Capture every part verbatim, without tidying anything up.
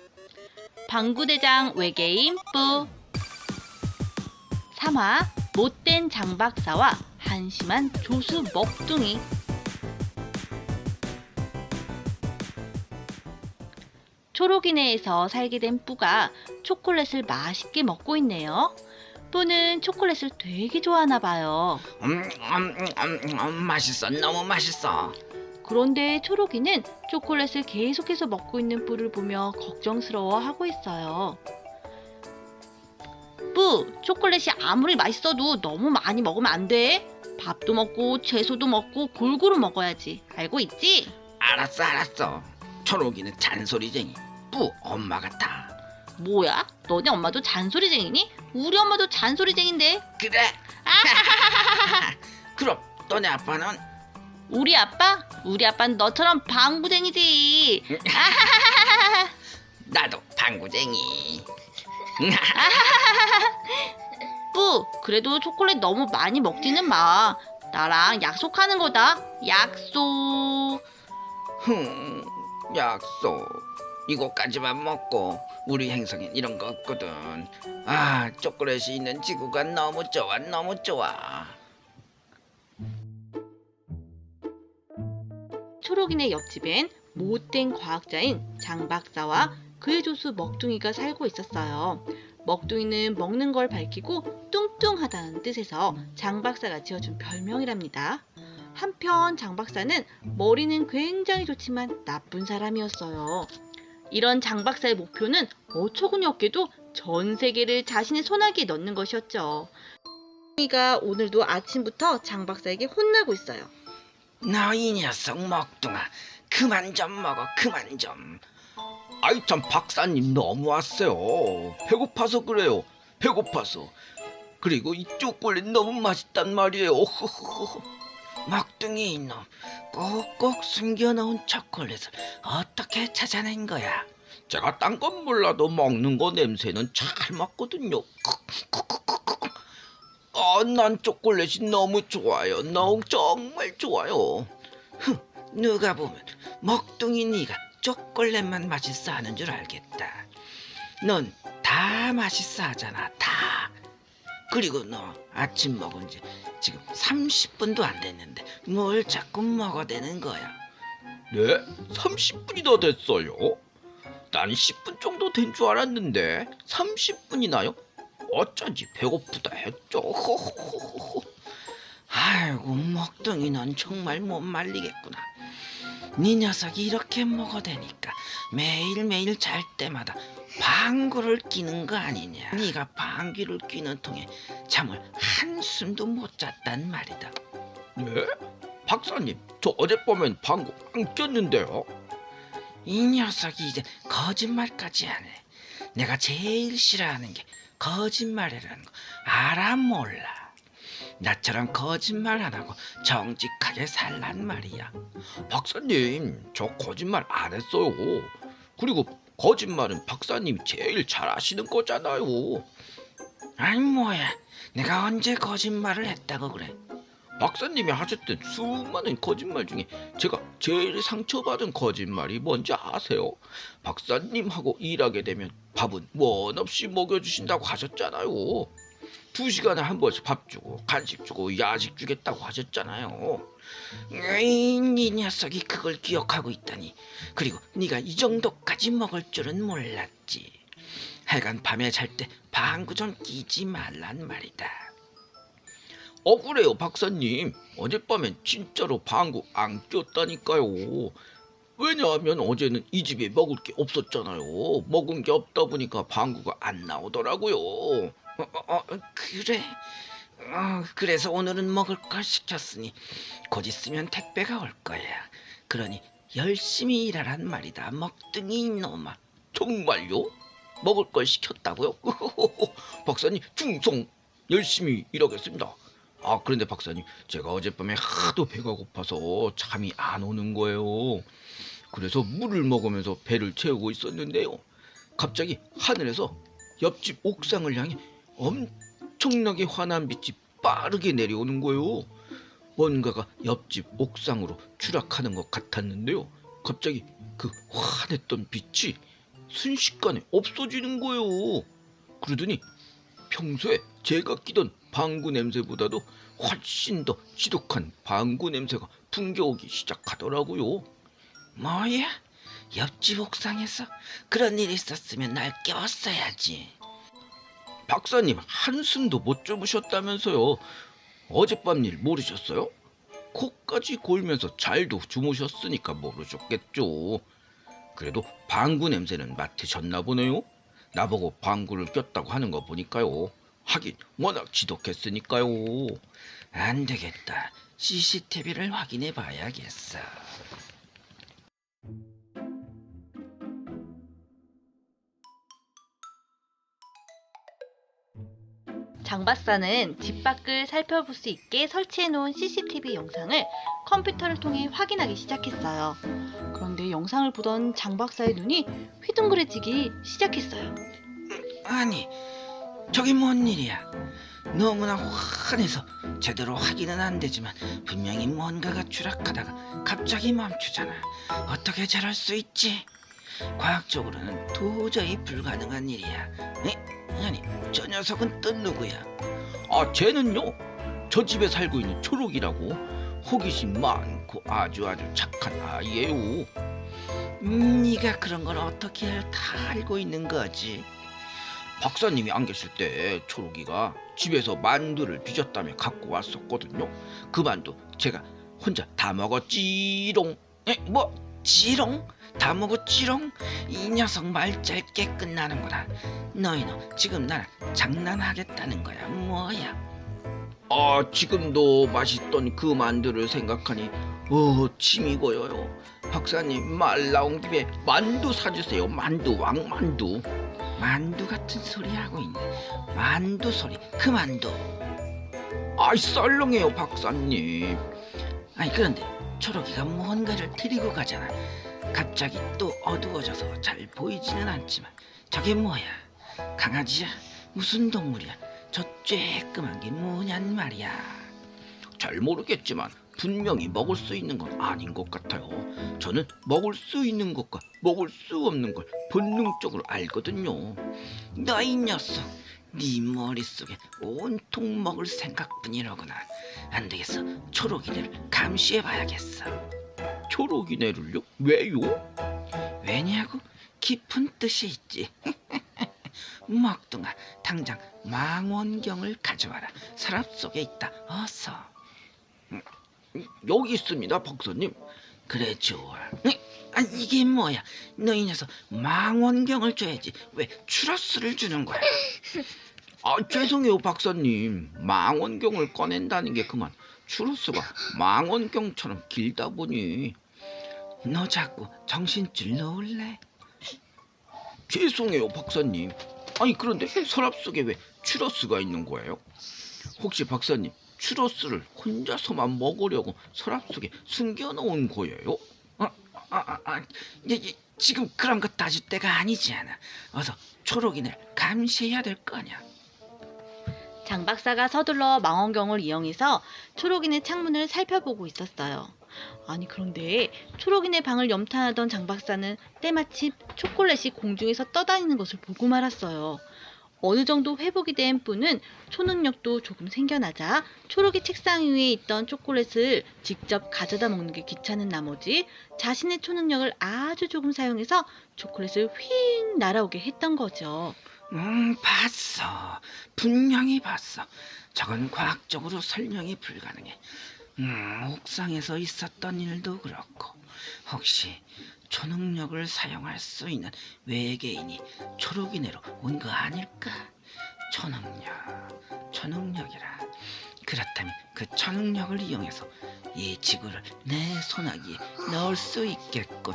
방구대장 외계인 뿌. 삼 화 못된 장박사와 한심한 조수 먹둥이. 초록이네에서 살게 된 뿌가 초콜릿을 맛있게 먹고 있네요. 뿌는 초콜릿을 되게 좋아하나 봐요. 음, 음, 음, 음, 맛있어. 너무 맛있어. 그런데 초록이는 초콜릿을 계속해서 먹고 있는 뿌를 보며 걱정스러워하고 있어요. 뿌, 초콜릿이 아무리 맛있어도 너무 많이 먹으면 안 돼. 밥도 먹고 채소도 먹고 골고루 먹어야지. 알고 있지? 알았어, 알았어. 초록이는 잔소리쟁이. 뿌 엄마 같아. 뭐야? 너네 엄마도 잔소리쟁이니? 우리 엄마도 잔소리쟁인데. 그래? 그럼 너네 아빠는? 우리 아빠? 우리 아빠는 너처럼 방구쟁이지. 나도 방구쟁이. 뿌, 그래도 초콜릿 너무 많이 먹지는 마. 나랑 약속하는 거다. 약속. 흠, 약속. 이거까지만 먹고 우리 행성엔 이런 거 없거든. 아, 초콜릿이 있는 지구가 너무 좋아, 너무 좋아. 초록이네 옆집엔 못된 과학자인 장 박사와 그의 조수 먹둥이가 살고 있었어요. 먹둥이는 먹는 걸 밝히고 뚱뚱하다는 뜻에서 장 박사가 지어준 별명이랍니다. 한편 장 박사는 머리는 굉장히 좋지만 나쁜 사람이었어요. 이런 장 박사의 목표는 어처구니 없게도 전 세계를 자신의 손아귀에 넣는 것이었죠. 먹둥이가 오늘도 아침부터 장 박사에게 혼나고 있어요. 너 이 녀석 먹둥아, 그만 좀 먹어, 그만 좀. 아이 참, 박사님 너무하세요. 배고파서 그래요. 배고파서. 그리고 이 초콜릿 너무 맛있단 말이에요. 먹둥이 이놈, 꼭꼭 숨겨놓은 초콜릿을 어떻게 찾아낸 거야? 제가 딴 건 몰라도 먹는 거 냄새는 잘 맡거든요. 아, 난 초콜릿이 너무 좋아요. 너무 정말 좋아요. 흥, 누가 보면 먹둥이 네가 초콜릿만 맛있어 하는 줄 알겠다. 넌 다 맛있어 하잖아, 다. 그리고 너 아침 먹은 지 지금 삼십 분도 안 됐는데 뭘 자꾸 먹어대는 거야? 네? 삼십 분이나 됐어요? 난 십 분 정도 된 줄 알았는데 삼십 분이나요? 어쩐지 배고프다 했죠. 아이고, 먹둥이 넌 정말 못 말리겠구나. 네 녀석이 이렇게 먹어대니까 매일매일 잘 때마다 방귀를 뀌는 거 아니냐. 네가 방귀를 뀌는 통에 잠을 한숨도 못 잤단 말이다. 네? 박사님, 저 어젯밤엔 방귀 안 꼈는데요. 이 녀석이 이제 거짓말까지 하네. 내가 제일 싫어하는 게 거짓말이라는 거 알아 몰라? 나처럼 거짓말 안 하고 정직하게 살란 말이야. 박사님, 저 거짓말 안 했어요. 그리고 거짓말은 박사님이 제일 잘 아시는 거잖아요. 아니 뭐야, 내가 언제 거짓말을 했다고 그래? 박사님이 하셨던 수많은 거짓말 중에 제가 제일 상처받은 거짓말이 뭔지 아세요? 박사님하고 일하게 되면 밥은 원 없이 먹여주신다고 하셨잖아요. 두 시간에 한 번씩 밥 주고 간식 주고 야식 주겠다고 하셨잖아요. 에이, 이 녀석이 그걸 기억하고 있다니. 그리고 네가 이 정도까지 먹을 줄은 몰랐지. 하여간 밤에 잘 때 방구 좀 끼지 말란 말이다. 어, 그래요 박사님. 어젯밤엔 진짜로 방구 안 꼈다니까요. 왜냐하면 어제는 이 집에 먹을 게 없었잖아요. 먹은 게 없다 보니까 방구가 안 나오더라고요. 어, 어, 어, 그래? 어, 그래서 오늘은 먹을 걸 시켰으니 곧 있으면 택배가 올 거야. 그러니 열심히 일하란 말이다, 먹둥이 이놈아. 정말요? 먹을 걸 시켰다고요? 박사님, 충성 열심히 일하겠습니다. 아, 그런데 박사님, 제가 어젯밤에 하도 배가 고파서 잠이 안 오는 거예요. 그래서 물을 먹으면서 배를 채우고 있었는데요, 갑자기 하늘에서 옆집 옥상을 향해 엄청나게 환한 빛이 빠르게 내려오는 거예요. 뭔가가 옆집 옥상으로 추락하는 것 같았는데요, 갑자기 그 환했던 빛이 순식간에 없어지는 거예요. 그러더니 평소에 제가 끼던 방구 냄새보다도 훨씬 더 지독한 방구 냄새가 풍겨오기 시작하더라고요. 뭐야? 옆집 옥상에서 그런 일이 있었으면 날 깨웠어야지. 박사님 한숨도 못 주무셨다면서요. 어젯밤 일 모르셨어요? 코까지 골면서 잘도 주무셨으니까 모르셨겠죠. 그래도 방구 냄새는 맡으셨나 보네요. 나보고 방구를 꼈다고 하는 거 보니까요. 하긴 워낙 지독했으니까요. 안 되겠다. 씨씨티비를 확인해 봐야겠어. 장 박사는 집 밖을 살펴볼 수 있게 설치해 놓은 씨씨티비 영상을 컴퓨터를 통해 확인하기 시작했어요. 그런데 영상을 보던 장 박사의 눈이 휘둥그레지기 시작했어요. 아니, 저게 뭔 일이야? 너무나 환해서 제대로 확인은 안 되지만 분명히 뭔가가 추락하다가 갑자기 멈추잖아. 어떻게 저럴 수 있지? 과학적으로는 도저히 불가능한 일이야. 에? 아니, 저 녀석은 또 누구야? 아, 쟤는요. 저 집에 살고 있는 초록이라고 호기심 많고 아주 아주 착한 아이예요. 음, 네가 그런 걸 어떻게 다 알고 있는 거지? 박사님이 안 계실 때 초록이가 집에서 만두를 빚었다며 갖고 왔었거든요. 그 만두 제가 혼자 다 먹었지롱. 에? 뭐? 지롱? 다 먹었지롱? 이 녀석 말 짧게 끝나는구나. 너희는 지금 나랑 장난하겠다는 거야 뭐야? 아, 지금도 맛있던 그 만두를 생각하니 어 침이 고여요. 박사님 말 나온 김에 만두 사주세요. 만두 왕만두. 만두 같은 소리 하고 있네. 만두 소리 그만둬. 아이 썰렁해요 박사님. 아니 그런데 초록이가 뭔가를 들이고 가잖아. 갑자기 또 어두워져서 잘 보이지는 않지만 저게 뭐야? 강아지야? 무슨 동물이야? 저 쬐끄만 게 뭐냔 말이야. 잘 모르겠지만 분명히 먹을 수 있는 건 아닌 것 같아요. 저는 먹을 수 있는 것과 먹을 수 없는 걸 본능적으로 알거든요. 너 이 녀석, 네 머릿속에 온통 먹을 생각뿐이로구나. 안 되겠어. 초록이를 감시해봐야겠어. 초록이네를요? 왜요? 왜냐고? 깊은 뜻이 있지. 먹둥아, 당장 망원경을 가져와라. 서랍 속에 있다. 어서. 여기 있습니다 박사님. 그래 좋아. 아 이게 뭐야? 너 이 녀석 망원경을 줘야지. 왜 추러스를 주는 거야? 아 죄송해요 박사님. 망원경을 꺼낸다는 게 그만 추러스가 망원경처럼 길다 보니. 너 자꾸 정신줄 놓을래? 죄송해요 박사님. 아니 그런데 서랍 속에 왜 추러스가 있는 거예요? 혹시 박사님 추러스를 혼자서만 먹으려고 서랍 속에 숨겨놓은 거예요? 아, 아, 아, 이, 이, 지금 그런 거 따질 때가 아니지 않아. 어서 초록이를 감시해야 될 거 아니야. 장 박사가 서둘러 망원경을 이용해서 초록이네 창문을 살펴보고 있었어요. 아니 그런데 초록이네 방을 염탐하던 장 박사는 때마침 초콜릿이 공중에서 떠다니는 것을 보고 말았어요. 어느 정도 회복이 된 뿌는 초능력도 조금 생겨나자 초록이 책상 위에 있던 초콜릿을 직접 가져다 먹는 게 귀찮은 나머지 자신의 초능력을 아주 조금 사용해서 초콜릿을 휙 날아오게 했던 거죠. 음, 봤어. 분명히 봤어. 저건 과학적으로 설명이 불가능해. 음, 옥상에서 있었던 일도 그렇고 혹시 초능력을 사용할 수 있는 외계인이 초록이네로 온 거 아닐까? 초능력, 초능력이라. 그렇다면 그 초능력을 이용해서 이 지구를 내 손아귀에 넣을 수 있겠군.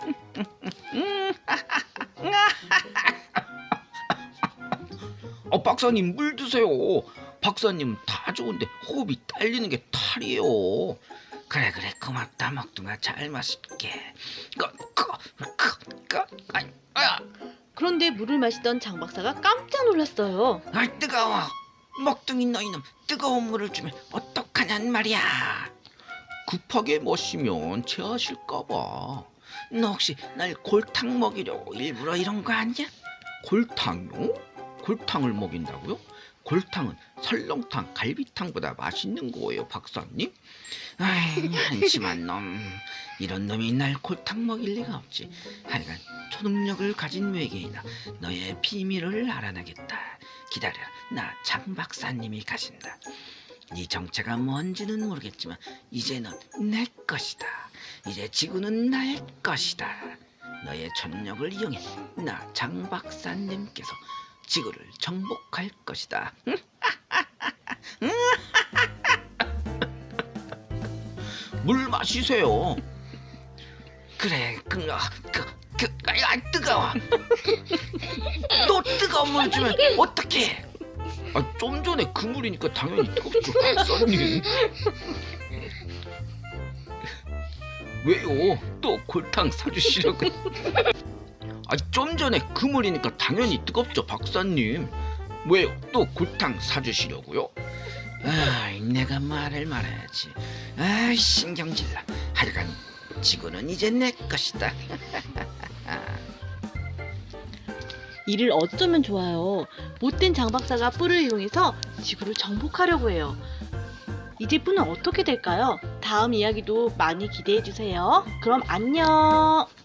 어 박사님 물 드세요. 박사님 다 좋은데 호흡이 딸리는 게 탈이에요. 그래 그래 고맙다 먹둥아. 잘 마실게. 그, 그, 그, 그, 아이, 아, 그런데 물을 마시던 장 박사가 깜짝 놀랐어요. 아이 뜨거워. 먹둥이 너희놈 뜨거운 물을 주면 어떡하냔 말이야. 급하게 마시면 체하실까봐. 너 혹시 날 골탕 먹이려고 일부러 이런 거 아니야? 골탕요? 골탕을 먹인다고요? 골탕은 설렁탕, 갈비탕보다 맛있는 거예요, 박사님. 아이, 한심한 놈. 이런 놈이 날 골탕 먹일 리가 없지. 하여간 초능력을 가진 외계인아, 너의 비밀을 알아내겠다. 기다려라. 나 장 박사님이 가신다. 네 정체가 뭔지는 모르겠지만 이제 넌 내 것이다. 이제 지구는 나의 것이다. 너의 초능력을 이용해 나 장 박사님께서 지구를 정복할 것이다. 물 마시세요. 그래, 그, 아, 그, 그, 아, 뜨거워. 또 뜨거운 물 주면 어떡해? 아, 좀 전에 그 물이니까 당연히 뜨겁죠, 박사님. 왜요? 또 골탕 사주시려고? 아, 좀 전에 그 물이니까 당연히 뜨겁죠, 박사님. 왜요? 또 골탕 사주시려고요? 아, 내가 말을 말해야지. 아, 신경질나. 하여간 지구는 이제 내 것이다. 이를 어쩌면 좋아요. 못된 장 박사가 뿔을 이용해서 지구를 정복하려고 해요. 이제 뿔은 어떻게 될까요? 다음 이야기도 많이 기대해 주세요. 그럼 안녕.